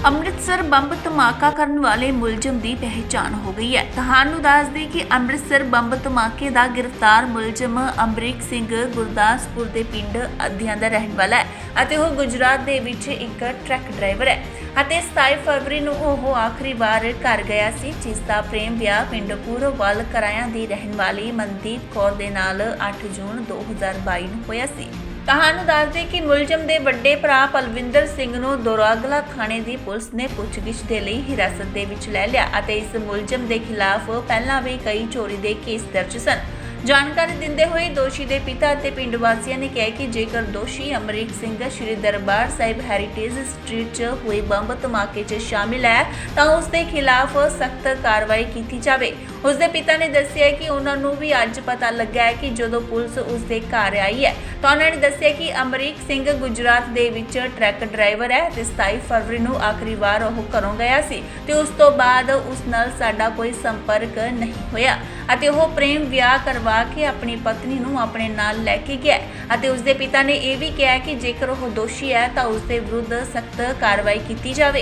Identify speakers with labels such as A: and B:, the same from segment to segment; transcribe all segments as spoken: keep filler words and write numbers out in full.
A: Amritsar bomb ਧਮਾਕਾ ਕਰਨ ਵਾਲੇ ਮੁਲਜ਼ਮ ਦੀ ਪਹਿਚਾਣ ਹੋ ਗਈ ਹੈ। ਤੁਹਾਨੂੰ ਦੱਸ ਦੇਈਏ ਕਿ ਅੰਮ੍ਰਿਤਸਰ ਬੰਬ ਧਮਾਕੇ ਦਾ ਗ੍ਰਿਫਤਾਰ ਮੁਲਜ਼ਮ ਅਮਰੀਕ ਸਿੰਘ ਗੁਰਦਾਸਪੁਰ ਦੇ ਪਿੰਡ ਅਧਿਆਂ ਦਾ ਰਹਿਣ ਵਾਲਾ ਹੈ ਅਤੇ ਉਹ ਗੁਜਰਾਤ ਦੇ ਵਿੱਚ ਇੱਕ ਟਰੱਕ ਡਰਾਈਵਰ ਹੈ ਅਤੇ ਸਤਾਈ ਫਰਵਰੀ ਨੂੰ ਉਹ ਆਖਰੀ ਵਾਰ ਘਰ ਗਿਆ ਸੀ, ਜਿਸ ਦਾ ਪ੍ਰੇਮ ਵਿਆਹ ਪਿੰਡ ਪੂਰਵਵਾਲ ਕਰਾਇਆਂ ਦੀ ਰਹਿਣ ਵਾਲੀ ਮਨਦੀਪ ਕੌਰ ਦੇ ਨਾਲ ਅੱਠ ਜੂਨ ਦੋ ਹਜ਼ਾਰ ਬਾਈ ਨੂੰ ਹੋਇਆ ਸੀ। ਤੁਹਾਨੂੰ ਦੱਸ ਦੇ ਕਿ ਮੁਲਜ਼ਮ ਦੇ ਵੱਡੇ ਭਰਾ ਪਲਵਿੰਦਰ ਸਿੰਘ ਨੂੰ ਦੋਰਾਗਲਾ ਥਾਣੇ ਦੀ ਪੁਲਿਸ ਨੇ ਪੁੱਛਗਿੱਛ ਦੇ ਲਈ ਹਿਰਾਸਤ ਦੇ ਵਿੱਚ ਲੈ ਲਿਆ ਅਤੇ ਇਸ ਮੁਲਜ਼ਮ ਦੇ ਖਿਲਾਫ ਪਹਿਲਾਂ ਵੀ ਕਈ ਚੋਰੀ ਦੇ ਕੇਸ ਦਰਜ ਸਨ। ਜਾਣਕਾਰੀ ਦਿੰਦੇ ਹੋਏ ਦੋਸ਼ੀ ਦੇ ਪਿਤਾ ਅਤੇ ਪਿੰਡ ਵਾਸੀਆਂ ਨੇ ਕਿਹਾ ਕਿ ਜੇਕਰ ਦੋਸ਼ੀ ਅਮਰੀਕ ਸਿੰਘ ਸ਼੍ਰੀ ਦਰਬਾਰ ਸਾਹਿਬ ਹੈਰੀਟੇਜ ਸਟਰੀਟ 'ਚ ਹੋਏ ਬੰਬ ਧਮਾਕੇ 'ਚ ਸ਼ਾਮਿਲ ਹੈ ਤਾਂ ਉਸ ਦੇ ਖਿਲਾਫ ਸਖਤ ਕਾਰਵਾਈ ਕੀਤੀ ਜਾਵੇ। ਉਸ ਦੇ ਪਿਤਾ ਨੇ ਦੱਸਿਆ ਕਿ ਉਹਨਾਂ ਨੂੰ ਵੀ ਅੱਜ ਪਤਾ ਲੱਗਾ ਹੈ ਕਿ ਜਦੋਂ ਪੁਲਿਸ ਉਸ ਦੇ ਘਰ ਆਈ ਹੈ ਤਾਂ ਉਹਨਾਂ ਨੇ ਦੱਸਿਆ ਕਿ ਅਮਰੀਕ ਸਿੰਘ ਗੁਜਰਾਤ ਦੇ ਵਿੱਚ ਟਰੱਕ ਡਰਾਈਵਰ ਹੈ ਤੇ ਸਤਾਈ ਫਰਵਰੀ ਨੂੰ ਆਖਰੀ ਵਾਰ ਉਹ ਘਰੋਂ ਗਿਆ ਸੀ ਤੇ ਉਸ ਤੋਂ ਬਾਅਦ ਉਸ ਨਾਲ ਸਾਡਾ ਕੋਈ ਸੰਪਰਕ ਨਹੀਂ ਹੋਇਆ ਅਤੇ ਉਹ ਪ੍ਰੇਮ ਵਿਆਹ ਕਰਵਾ ਕੇ ਆਪਣੀ ਪਤਨੀ ਨੂੰ ਆਪਣੇ ਨਾਲ ਲੈ ਕੇ ਗਿਆ ਅਤੇ ਉਸ ਦੇ ਪਿਤਾ ਨੇ ਇਹ ਵੀ ਕਿਹਾ ਕਿ ਜੇਕਰ ਉਹ ਦੋਸ਼ੀ ਹੈ ਤਾਂ ਉਸ ਦੇ ਵਿਰੁੱਧ ਸਖਤ ਕਾਰਵਾਈ ਕੀਤੀ ਜਾਵੇ।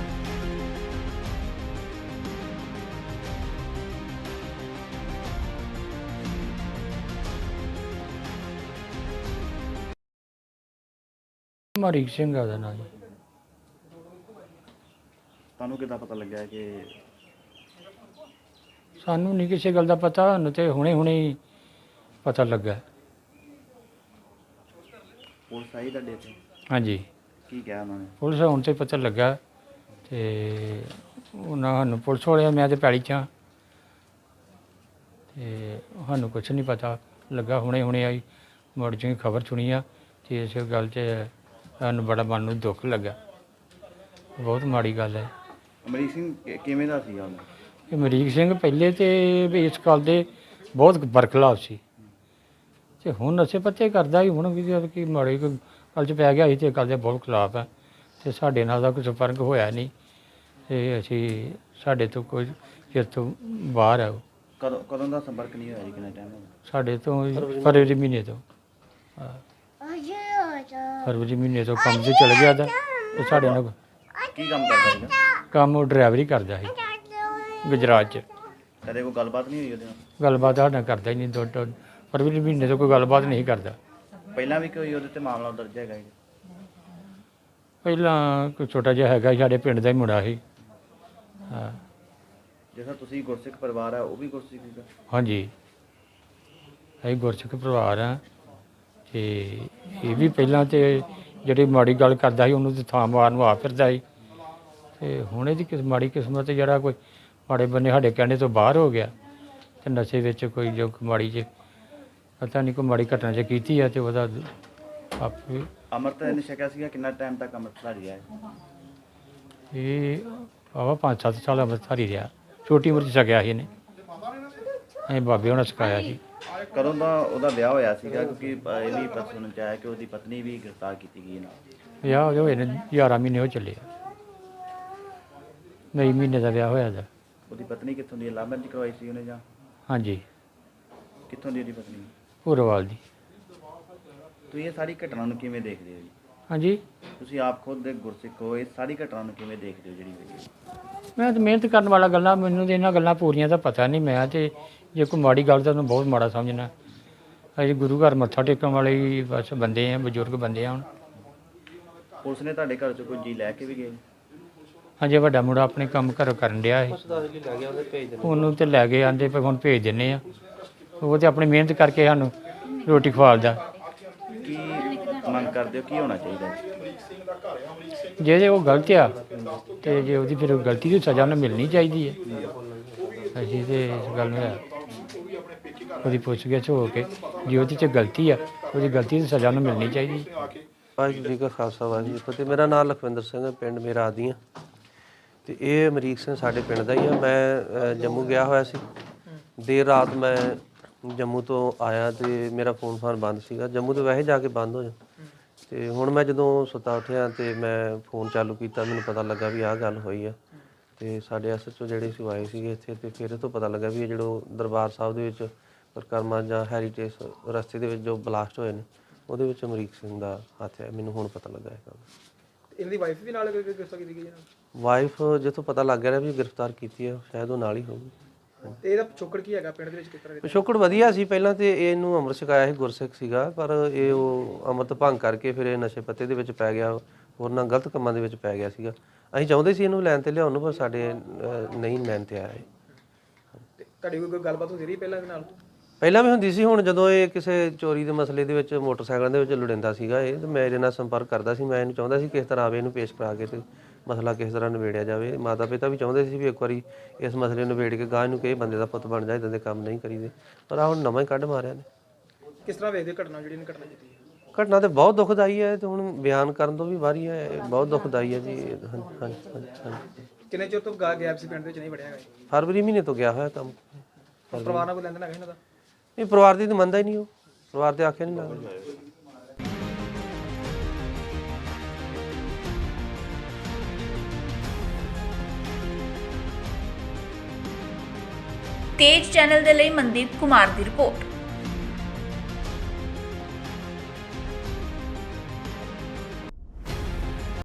B: ਅਮਰੀਕ ਸਿੰਘ ਆ ਉਹਦਾ ਨਾਂ ਜੀ।
C: ਤੁਹਾਨੂੰ ਕਿੱਦਾਂ ਪਤਾ ਲੱਗਿਆ ਕਿ
B: ਸਾਨੂੰ ਨਹੀਂ ਕਿਸੇ ਗੱਲ ਦਾ ਪਤਾ, ਸਾਨੂੰ ਤੇ ਹੁਣੇ ਹੁਣੇ ਹੀ ਪਤਾ ਲੱਗਾ।
C: ਪੁਲਿਸ ਆਈ ਤੁਹਾਡੇ ਤੇ?
B: ਹਾਂਜੀ,
C: ਕੀ ਕਿਹਾ ਉਹਨਾਂ ਨੇ?
B: ਪੁਲਿਸ ਹੁਣ ਤੇ ਪਤਾ ਲੱਗਾ ਤੇ ਉਹਨਾਂ ਸਾਨੂੰ ਪੁਲਿਸ ਵਾਲਿਆਂ ਮੈਂ ਤੇ ਪੈਲੀ 'ਚ ਹਾਂ ਤੇ ਸਾਨੂੰ ਕੁਛ ਨਹੀਂ ਪਤਾ ਲੱਗਾ। ਹੁਣੇ ਹੁਣੇ ਆਈ ਮੁੜ ਜੀ ਖਬਰ ਸੁਣੀ ਆ ਤੇ ਇਸ ਗੱਲ 'ਚ ਸਾਨੂੰ ਬੜਾ ਮਨ ਨੂੰ ਦੁੱਖ ਲੱਗਾ। ਬਹੁਤ ਮਾੜੀ ਗੱਲ ਹੈ।
C: ਅਮਰੀਕ ਸਿੰਘ ਕਿ- ਕਿਵੇਂ ਦਾ ਸੀਗਾ ਉਹਨੂੰ?
B: ਇਹ ਅਮਰੀਕ ਸਿੰਘ ਪਹਿਲੇ ਤੇ ਵੀ ਇਸ ਗੱਲ ਦੇ ਬਹੁਤ ਬਰਖਲਾਫ ਸੀ ਤੇ ਹੁਣ ਨਸ਼ੇ ਪੱਤੇ ਕਰਦਾ ਹੀ, ਹੁਣ ਵੀ ਜਦ ਕਿ ਮਾੜੀ ਕੋਈ ਗੱਲ 'ਚ ਪੈ ਗਿਆ ਸੀ ਤੇ ਗੱਲ ਦੇ ਬਹੁਤ ਖਿਲਾਫ ਹੈ ਤੇ ਸਾਡੇ ਨਾਲ ਦਾ ਕੋਈ ਸੰਪਰਕ ਹੋਇਆ ਨਹੀਂ ਤੇ ਅਸੀਂ ਸਾਡੇ ਤੋਂ ਕੋਈ ਚਿਰ ਤੋਂ ਬਾਹਰ ਹੈ ਉਹ।
C: ਕਦੋਂ ਕਦੋਂ ਦਾ ਸੰਪਰਕ ਨਹੀਂ ਹੋਇਆ ਜੀ? ਕਿੰਨਾ ਟਾਈਮ ਹੋ ਗਿਆ?
B: ਸਾਡੇ ਤੋਂ ਫਰਵਰੀ ਮਹੀਨੇ ਤੋਂ ਹਾਂ, ਫਰਵਰੀ ਮਹੀਨੇ ਤੋਂ ਕੰਮ 'ਤੇ ਚਲ ਗਿਆ ਦਾ ਤੇ ਸਾਡੇ ਨਾਲ
C: ਕੀ ਕੰਮ ਕਰਦਾ ਸੀਗਾ?
B: ਕੰਮ ਉਹ ਡਰਾਈਵਰੀ ਕਰਦਾ ਸੀ ਗੁਜਰਾਤ 'ਚ।
C: ਕਦੇ ਕੋਈ ਗੱਲਬਾਤ ਨਹੀਂ ਹੋਈ ਉਹਦੇ ਨਾਲ?
B: ਗੱਲਬਾਤ ਸਾਡੇ ਨਾਲ ਕਰਦਾ ਹੀ ਨਹੀਂ। ਦੋ ਦੋ ਫਰਵਰੀ ਮਹੀਨੇ ਤੋਂ ਕੋਈ ਗੱਲਬਾਤ ਨਹੀਂ ਕਰਦਾ।
C: ਪਹਿਲਾਂ ਵੀ ਕੋਈ ਉਹਦੇ ਤੇ ਮਾਮਲਾ ਦਰਜ ਹੈਗਾ ਜੀ?
B: ਪਹਿਲਾਂ ਕੋਈ ਛੋਟਾ ਜਿਹਾ ਹੈਗਾ ਸੀ, ਸਾਡੇ ਪਿੰਡ ਦਾ ਹੀ ਮੁੰਡਾ ਸੀ। ਹਾਂ
C: ਜਿਵੇਂ ਤੁਸੀਂ ਗੁਰਸਿੱਖ ਪਰਿਵਾਰ ਹੈ, ਉਹ ਵੀ ਗੁਰਸਿੱਖ ਸੀਗਾ?
B: ਹਾਂਜੀ, ਅਸੀਂ ਗੁਰਸਿੱਖ ਪਰਿਵਾਰ ਹਾਂ ਤੇ ਇਹ ਵੀ ਪਹਿਲਾਂ ਤੇ ਜਿਹੜੀ ਮਾੜੀ ਗੱਲ ਕਰਦਾ ਸੀ ਉਹਨੂੰ ਤੇ ਥਾਂ ਮਾਰਨ ਨੂੰ ਆ ਫਿਰਦਾ ਸੀ ਤੇ ਹੁਣ ਇਹਦੀ ਕਿਸ ਮਾੜੀ ਕਿਸਮਤ ਜਿਹੜਾ ਕੋਈ ਮਾੜੇ ਬੰਨੇ ਸਾਡੇ ਕਹਿਣੇ ਤੋਂ ਬਾਹਰ ਹੋ ਗਿਆ ਤੇ ਨਸ਼ੇ ਵਿੱਚ ਕੋਈ ਜੋ ਮਾੜੀ ਜੇ ਪਤਾ ਨਹੀਂ ਕੋਈ ਮਾੜੀ ਘਟਨਾ 'ਚ ਕੀਤੀ ਹੈ ਤੇ ਉਹਦਾ ਆਪੇ
C: ਅੰਮ੍ਰਿਤ ਨੇ ਛਕਿਆ ਸੀਗਾ? ਕਿੰਨਾ ਟਾਈਮ ਤੱਕ ਅੰਮ੍ਰਿਤਧਾਰੀ ਰਿਹਾ ਹੈ?
B: ਇਹ ਆਵਾ ਪੰਜ ਸੱਤ ਸਾਲ ਅੰਮ੍ਰਿਤਧਾਰੀ ਰਿਹਾ। ਛੋਟੀ ਉਮਰ 'ਚ ਛਕਿਆ ਸੀ ਇਹਨੇ, ਅਸੀਂ ਬਾਬੇ ਹੋਣਾ ਸਿਖਾਇਆ ਸੀ।
C: ਕਦੋਂ ਦਾ ਉਹਦਾ ਵਿਆਹ ਹੋਇਆ ਸੀਗਾ? ਕਿਉਂਕਿ ਅ, ਇਹ ਵੀ ਪਤਾ ਸੁਣਨ ਚ ਆਇਆ ਕਿ ਉਹਦੀ ਪਤਨੀ ਵੀ ਗ੍ਰਿਫਤਾਰ ਕੀਤੀ ਗਈ ਨਾਲ।
B: ਵਿਆਹ ਉਹਦੇ ਹੋਏ ਨੇ ਗਿਆਰਾਂ ਮਹੀਨੇ ਹੋ ਚੱਲੇ ਆ। ਮਈ ਮਹੀਨੇ ਦਾ ਵਿਆਹ ਹੋਇਆ ਦਾ।
C: ਉਹਦੀ ਪਤਨੀ ਕਿੱਥੋਂ ਦੀ? ਲਵ ਮੈਰਿਜ ਕਰਵਾਈ ਸੀ ਉਹਨੇ ਜਾਂ
B: ਹਾਂਜੀ,
C: ਕਿੱਥੋਂ ਦੀ ਉਹਦੀ ਪਤਨੀ?
B: ਪੂਰਵਾਲ ਦੀ।
C: ਤੁਸੀਂ ਇਹ ਸਾਰੀ ਘਟਨਾ ਨੂੰ ਕਿਵੇਂ ਦੇਖਦੇ ਹੋ ਜੀ?
B: ਹਾਂਜੀ,
C: ਤੁਸੀਂ ਆਪ ਖੁਦ ਦੇ ਗੁਰਸਿੱਖ ਹੋ, ਇਹ ਸਾਰੀ ਘਟਨਾ ਨੂੰ ਕਿਵੇਂ ਦੇਖਦੇ ਹੋ ਜਿਹੜੀ ਹੋਈ ਹੈ?
B: ਮੈਂ ਤਾਂ ਮਿਹਨਤ ਕਰਨ ਵਾਲਾ ਗੱਲਾਂ, ਮੈਨੂੰ ਤਾਂ ਇਹਨਾਂ ਗੱਲਾਂ ਪੂਰੀਆਂ ਦਾ ਪਤਾ ਨਹੀਂ। ਮੈਂ ਤੇ ਜੇ ਕੋਈ ਮਾੜੀ ਗੱਲ ਤਾਂ ਉਹਨੂੰ ਬਹੁਤ ਮਾੜਾ ਸਮਝਣਾ। ਅਸੀਂ ਗੁਰੂ ਘਰ ਮੱਥਾ ਟੇਕਣ ਵਾਲੇ ਹੀ ਬਸ ਬੰਦੇ ਆ, ਬਜ਼ੁਰਗ ਬੰਦੇ ਆ। ਹੁਣ
C: ਪੁਲਿਸ ਨੇ ਤੁਹਾਡੇ ਘਰ ਚੋਂ ਕੋਈ ਜੀ ਲੈ ਕੇ ਵੀ ਗਏ?
B: ਹਾਂਜੀ, ਵੱਡਾ ਮੁੰਡਾ ਆਪਣੇ ਕੰਮ ਘਰੋਂ ਕਰਨ ਡਿਆ ਸੀ, ਉਹਨੂੰ ਤੇ ਲੈ ਕੇ ਆਂਦੇ ਪਏ ਹੁਣ ਭੇਜ ਦਿੰਦੇ ਆ। ਉਹ ਤੇ ਆਪਣੀ ਮਿਹਨਤ ਕਰਕੇ ਸਾਨੂੰ ਰੋਟੀ ਖਵਾਲਦਾ।
C: ਕੀ ਮੰਗ ਕਰਦੇ ਹੋ, ਕੀ ਹੋਣਾ ਚਾਹੀਦਾ?
B: ਜੇ ਜੇ ਉਹ ਗਲਤ ਆ ਤੇ ਜੇ ਉਹਦੀ ਫਿਰ ਗਲਤੀ ਦੀ ਸਜ਼ਾ ਉਹਨੂੰ ਮਿਲਣੀ ਚਾਹੀਦੀ ਹੈ। ਅਸੀਂ ਤੇ ਇਸ ਗੱਲ ਨੂੰ ਉਹਦੀ ਪੁੱਛਗਿੱਛ ਹੋ ਕੇ ਜੇ ਉਹਦੇ 'ਚ ਗਲਤੀ ਆ ਉਹਦੀ ਗਲਤੀ ਦੀ ਸਜ਼ਾ ਉਹਨੂੰ ਮਿਲਣੀ ਚਾਹੀਦੀ ਹੈ।
D: ਵਾਹਿਗੁਰੂ ਜੀ ਕਾ ਖਾਲਸਾ ਵਾਹਿਗੁਰੂ ਜੀ ਕੀ ਫਤਿਹ। ਮੇਰਾ ਨਾਮ ਲਖਵਿੰਦਰ ਸਿੰਘ ਹੈ, ਪਿੰਡ ਮੇਰਾ ਆਦੀਆਂ ਤੇ ਇਹ ਅਮਰੀਕ ਸਿੰਘ ਸਾਡੇ ਪਿੰਡ ਦਾ ਹੀ ਆ। ਮੈਂ ਅ, ਜੰਮੂ ਗਿਆ ਹੋਇਆ ਸੀ। ਦੇਰ ਰਾਤ ਮੈਂ ਜੰਮੂ ਤੋਂ ਆਇਆ ਤੇ ਮੇਰਾ ਫੋਨ ਫਾਨ ਬੰਦ ਸੀਗਾ। ਜੰਮੂ ਤੋਂ ਵੈਸੇ ਜਾ ਕੇ ਬੰਦ ਹੋ ਜਾ ਤੇ ਹੁਣ ਮੈਂ ਜਦੋਂ ਸੁੱਤਾ ਉੱਠਿਆ ਤੇ ਮੈਂ ਫੋਨ ਚਾਲੂ ਕੀਤਾ, ਮੈਨੂੰ ਪਤਾ ਲੱਗਾ ਵੀ ਆਹ ਗੱਲ ਹੋਈ ਆ ਤੇ ਸਾਡੇ ਐਸ ਐਚ ਓ ਜਿਹੜੇ ਸੀ ਆਏ ਸੀਗੇ ਇੱਥੇ ਤੇ ਫਿਰ ਇਹ ਤੋਂ ਪਤਾ ਲੱਗਾ ਵੀ ਇਹ ਜਿਹੜਾ ਦਰਬਾਰ ਸਾਹਿਬ ਦੇ ਵਿੱਚ ਪਰਿਕਰਮਾ ਜਾਂ ਹੈਰੀਟੇਜ ਰਸਤੇ ਦੇ ਵਿੱਚ ਜੋ ਬਲਾਸਟ ਹੋਏ ਨੇ ਉਹਦੇ ਵਿੱਚ ਅਮਰੀਕ ਸਿੰਘ ਦਾ ਹੱਥ ਹੈ। ਮੈਨੂੰ ਹੁਣ ਪਤਾ ਲੱਗਾ ਇਹ ਗੱਲ।
E: ਇਹਦੀ ਵਾਈਫ ਵੀ ਨਾਲ ਗ੍ਰਿਫਤਾਰ ਕੀਤੀ ਗਈ ਹੈ?
D: ਵਾਈਫ ਜਿੱਥੋਂ ਪਤਾ ਲੱਗ ਗਿਆ ਵੀ ਗ੍ਰਿਫਤਾਰ ਕੀਤੀ ਹੈ ਸ਼ਾਇਦ ਉਹ ਨਾਲ ਹੀ ਹੋਊਗੀ।
E: ਤੇ ਇਹਦਾ ਪਿਛੋਕੜ ਕੀ ਹੈਗਾ ਪਿੰਡ ਦੇ ਵਿੱਚ ਕਿਸ ਤਰ੍ਹਾਂ
D: ਪਿਛੋਕੜ ਵਧੀਆ ਸੀ, ਪਹਿਲਾਂ ਤੇ ਇਹਨੂੰ ਅੰਮ੍ਰਿਤ ਛਕਾਇਆ ਸੀ, ਗੁਰਸਿੱਖ ਸੀਗਾ, ਪਰ ਇਹ ਉਹ ਅੰਮ੍ਰਿਤ ਭੰਗ ਕਰਕੇ ਫਿਰ ਇਹ ਨਸ਼ੇ ਪੱਤੇ ਦੇ ਵਿੱਚ ਪੈ ਗਿਆ, ਹੋਰ ਨਾਲ ਗਲਤ ਕੰਮਾਂ ਦੇ ਵਿੱਚ ਪੈ ਗਿਆ ਸੀਗਾ। ਅਸੀਂ ਚਾਹੁੰਦੇ ਸੀ ਇਹਨੂੰ ਲੈਣ ਤੇ ਲਿਆਉਣ ਨੂੰ, ਪਰ ਸਾਡੇ ਅਹ, ਨਹੀਂ ਲੈਣ ਤੇ ਆਇਆ ਇਹ।
E: ਤੇ ਤੁਹਾਡੀ ਕੋਈ ਗੱਲਬਾਤ ਹੁੰਦੀ ਰਹੀ ਪਹਿਲਾਂ ਇਹਦੇ ਨਾਲ?
D: ਪਹਿਲਾਂ ਵੀ ਹੁੰਦੀ ਸੀ, ਹੁਣ ਜਦੋਂ ਇਹ ਕਿਸੇ ਚੋਰੀ ਦੇ ਮਸਲੇ ਦੇ ਵਿੱਚ ਮੋਟਰਸਾਈਕਲਾਂ ਦੇ ਵਿੱਚ ਲੁੜਿੰਦਾ ਸੀਗਾ ਇਹ, ਤੇ ਮੈਂ ਇਹਦੇ ਨਾਲ ਸੰਪਰਕ ਕਰਦਾ ਸੀ। ਮੈਂ ਇਹਨੂੰ ਚਾਹੁੰਦਾ ਸੀ ਕਿਸ ਤਰ੍ਹਾਂ ਆਵੇ ਇਹਨੂੰ ਪੇਸ਼ ਕਰਾ ਕੇ ਤੇ ਮਸਲਾ ਕਿਸ ਤਰ੍ਹਾਂ ਨਿਬੇੜਿਆ ਜਾਵੇ। ਮਾਤਾ ਪਿਤਾ ਵੀ ਚਾਹੁੰਦੇ ਸੀ ਵੀ ਇੱਕ ਵਾਰੀ ਇਸ ਮਸਲੇ ਨੂੰ ਨਿਬੇੜ ਕੇ ਗਾਂ ਨੂੰ ਕਿਸੇ ਬੰਦੇ ਦਾ ਪੁੱਤ ਬਣ ਜਾਏ, ਇਦਾਂ ਦੇ ਕੰਮ ਨਹੀਂ ਕਰੀਦੇ, ਪਰ ਆ ਹੁਣ ਨਵਾਂ ਹੀ ਕੱਢ ਮਾਰਿਆ ਨੇ।
E: ਕਿਸ ਤਰ੍ਹਾਂ ਵੇਖਦੇ ਘਟਨਾ ਜਿਹੜੀ ਨੇ ਘਟਨਾ ਕੀਤੀ ਹੈ?
D: ਘਟਨਾ ਤੇ ਬਹੁਤ ਦੁਖਦਾਈ ਹੈ, ਤੇ ਹੁਣ ਬਿਆਨ ਕਰਨ ਤੋਂ ਵੀ ਵਾਰੀ ਹੈ, ਇਹ ਬਹੁਤ ਦੁਖਦਾਈ ਹੈ ਜੀ। ਹਾਂਜੀ ਹਾਂਜੀ ਹਾਂਜੀ।
E: ਕਿੰਨੇ ਚਿਰ ਤੋਂ ਗਾ ਗੈਪ ਸੀ ਪਿੰਡ ਦੇ ਵਿੱਚ ਨਹੀਂ ਵੜਿਆ ਹੈਗਾ?
D: ਫਰਵਰੀ ਮਹੀਨੇ ਤੋਂ ਗਿਆ ਹੋਇਆ ਕੰਮ।
E: ਪਰਿਵਾਰ ਨਾਲ ਕੋਈ ਲੈਣ ਦੇਣ ਹੈਗਾ ਇਹਨਾਂ ਦਾ?
D: ਇਹ ਪਰਿਵਾਰ ਦੀ ਤਾਂ ਮੰਨਦਾ ਹੀ ਨਹੀਂ, ਉਹ ਪਰਿਵਾਰ ਦੇ ਆਖਿਆ ਨਹੀਂ ਲੱਗਦਾ।
A: ਤੇਜ ਚੈਨਲ ਦੇ ਲਈ ਮਨਦੀਪ ਕੁਮਾਰ ਦੀ ਰਿਪੋਰਟ।